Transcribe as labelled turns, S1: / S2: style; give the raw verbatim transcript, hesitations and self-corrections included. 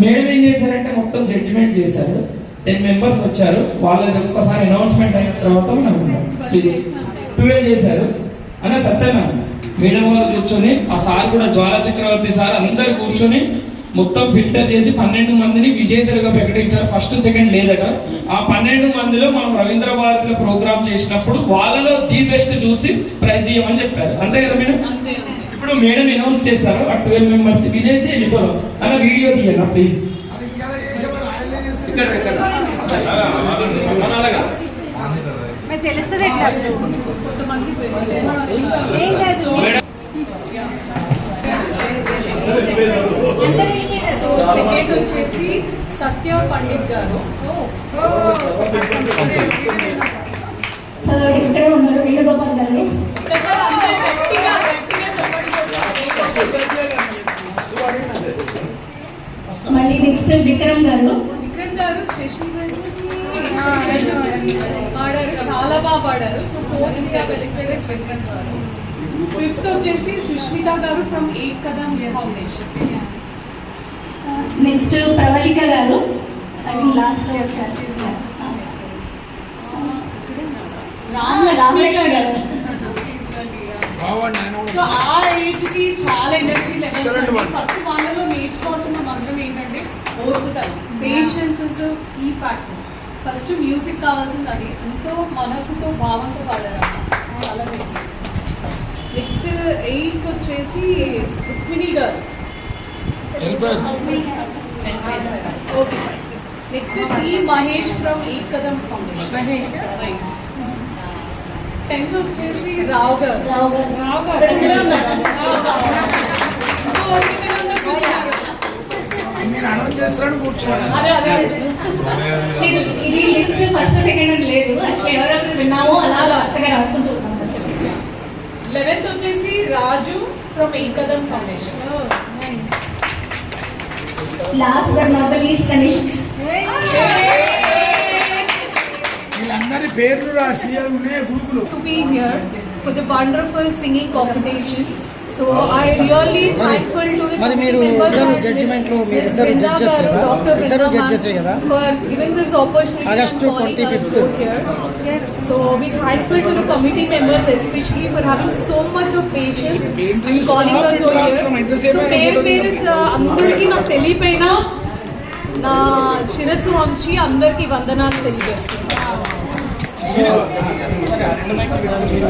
S1: Madam ఏం చేశారంటే మొత్తం జడ్జిమెంట్ చేశారు. టెన్ మెంబర్స్ వచ్చారు. వాళ్ళది ఒక్కసారి అనౌన్స్మెంట్ అయిన తర్వాత మనం ప్లీజ్ ట్వెల్వ్ చేశారు అన్న సత్యనా మేడం వాళ్ళు కూర్చొని ఆ సార్ కూడా జ్వాల చక్రవర్తి సార్ అందరు కూర్చొని మొత్తం ఫిల్టర్ చేసి పన్నెండు మందిని విజేతలుగా ప్రకటించారు. ఫస్ట్ సెకండ్ లేదట. ఆ పన్నెండు మందిలో మనం రవీంద్ర భారతిలో ప్రోగ్రామ్ చేసినప్పుడు వాళ్ళలో ది బెస్ట్ చూసి ప్రైజ్ ఇవ్వమని చెప్పారు. అంతే కదా మేడం? ఇప్పుడు మేడం అనౌన్స్ చేస్తారు ఆ ట్వెల్వ్ మెంబర్స్ విజేసి వెళ్ళిపోదాం అన్న వీడియో తీయన్నా ప్లీజ్.
S2: తెలుస్తుంది
S3: సెకండ్ వచ్చేసి సత్య పండిత్ గారు.
S2: ఇక్కడే ఉన్నారు వేణుగోపాల్ గారు. మళ్ళీ నెక్స్ట్ విక్రమ్ గారు.
S3: విక్రమ్ గారు శశి పాడారు, చాలా బాగా పాడారు. So fourth we have elected as Vikram garu. Fifth వచ్చేసి Sushmita garu from Ek Kadam foundation.
S2: Next Pravallika garu last లో రామలక్ష్మి గారు.
S3: సో ఆ ఏజ్ కి చాలా ఎనర్జీ లెవెల్స్. ఫస్ట్ వాళ్ళలో నేర్చుకోవాల్సిన మంత్రం ఏంటంటే ఓర్పుతారు, patience is key factor. First music కావాల్సింది అది, ఎంతో మనసుతో భావంతో పాడారు చాలా. నెక్స్ట్ ఎయిత్ వచ్చేసి Rukmini garu. Okay fine. Next T Mahesh from Ek Kadam foundation. Mahesh tenth వచ్చేసి రావు గారు.
S2: రావు గారు
S3: రావు గారు
S2: ఇది లిస్ట్ ఫస్ట్ సెకండ్ అని లేదు. అట్లా ఎవరెవరు విన్నామో అలా వరుసగా రాసుకుంటూ ఉన్నాం.
S3: లెవెన్త్ వచ్చేసి Raju from Ek Kadam foundation.
S2: Last but not the least Kanishk.
S4: వీళ్ళందరి పేర్లు రాసి ఉన్నాయి గ్రూపులు.
S3: To be here for the wonderful singing competition. So I really thankful to the
S5: మరి మీరు ఇద్దరు జడ్జిమెంట్ లో మీరు ఇద్దరు జడ్జెస్ కదా, ఇద్దరు జడ్జెస్ కదా,
S3: for giving this opportunity
S5: August twenty fifth.
S3: So we thankful to the committee members especially for having so much of patience and calling us over here. So పేరు పేరు అందరికీ నాకు తెలియపోయినా నా శిరస్సు వంచి అందరికీ వందనాలు తెలియజేస్తున్నాను.